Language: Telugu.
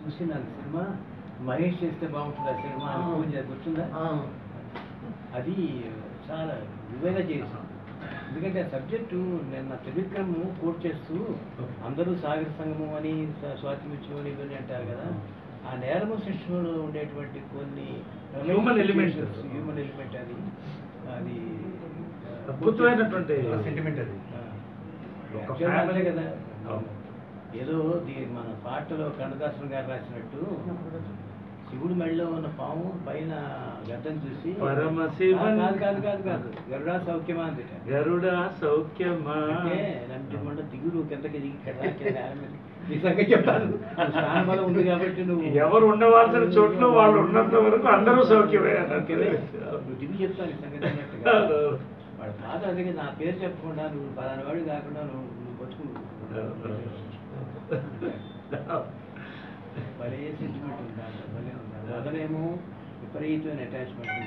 చూసినాను సినిమా మహేష్ చేస్తే బాగుంటుంది ఆ సినిమా అని ఫోన్ చేసి గుర్తుందా? అది చాలా విలువైన చేసాం. ఎందుకంటే ఆ సబ్జెక్టు నిన్న త్రివిక్రమ్ కోట్ చేస్తూ అందరూ సాగర సంగమం అని స్వాతి ముత్యం అని ఇవన్నీ అంటారు కదా, ఆ నేరము శిక్షణలో ఉండేటువంటి కొన్ని హ్యూమన్ ఎలిమెంట్ అది అది అద్భుతమైనటువంటి సెంటిమెంట్ అది. అంతే కదా. ఏదో మన పాటలో కన్నదాసన్ గారు రాసినట్టు శివుడు మెడలో ఉన్న పాము పైన గడ్డం చూసి కాదు కాదు కాదు కాదు గరుడా సౌఖ్యమా అంది. గరుడా సౌఖ్యమా అంటే నంటిమంట దిగుడు కిందకి నిజంగా చెప్పాను. స్థానం బలం ఉంది కాబట్టి నువ్వు ఎవరు ఉండవలసిన చోట్ల వాళ్ళు ఉన్నంత వరకు అందరూ సౌఖ్యమే. నువ్వు దిగు చెప్తాను సంగతి అన్నట్టుగా. వాడు పాత అదే నా పేరు చెప్పకుండా నువ్వు పలానా వాడు కాకుండా నువ్వు బతుకు భలే సెంటిమెంట్ ఉంది. భలే ఉంది. అదనేమో విపరీతమైన అటాచ్మెంట్.